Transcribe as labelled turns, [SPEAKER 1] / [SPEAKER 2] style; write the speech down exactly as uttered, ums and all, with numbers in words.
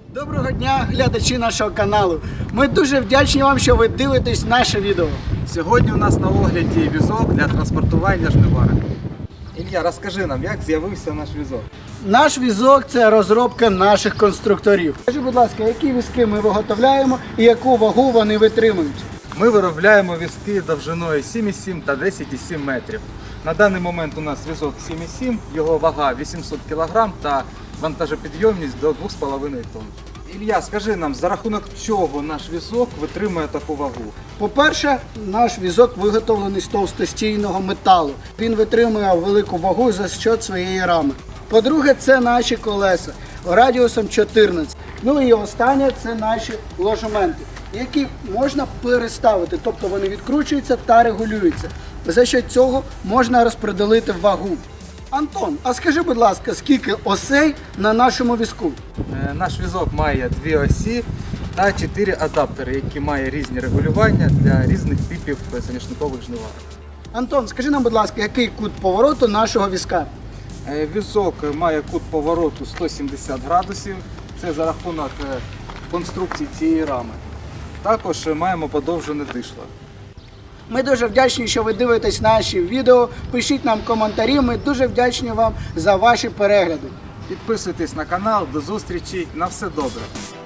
[SPEAKER 1] Доброго дня, глядачі нашого каналу. Ми дуже вдячні вам, що ви дивитесь наше відео.
[SPEAKER 2] Сьогодні у нас на огляді візок для транспортування жниварок. Ілля, розкажи нам, як з'явився наш візок?
[SPEAKER 1] Наш візок – це розробка наших конструкторів. Скажи, будь ласка, які візки ми виготовляємо і яку вагу вони витримують?
[SPEAKER 2] Ми виробляємо візки довжиною сім і сім та десять і сім метрів. На даний момент у нас візок сім і сім, його вага вісімсот кілограм та вантажопідйомність до двох з половиною тонн. Ілля, скажи нам, за рахунок чого наш візок витримує таку вагу?
[SPEAKER 1] По-перше, наш візок виготовлений з товстостійного металу. Він витримує велику вагу за счет своєї рами. По-друге, це наші колеса радіусом чотирнадцять. Ну і останнє – це наші ложементи, які можна переставити, тобто вони відкручуються та регулюються. За що цього можна розподілити вагу. Антон, а скажи, будь ласка, скільки осей на нашому візку?
[SPEAKER 2] Е, Наш візок має дві осі та чотири адаптери, які мають різні регулювання для різних типів соняшникових жниварок.
[SPEAKER 1] Антон, скажи нам, будь ласка, який кут повороту нашого візка?
[SPEAKER 2] Е, Візок має кут повороту сто сімдесят градусів, це за рахунок е, конструкції цієї рами. Також е, маємо подовжене дишло.
[SPEAKER 1] Ми дуже вдячні, що ви дивитесь наші відео. Пишіть нам коментарі, ми дуже вдячні вам за ваші перегляди.
[SPEAKER 2] Підписуйтесь на канал, до зустрічі, на все добре!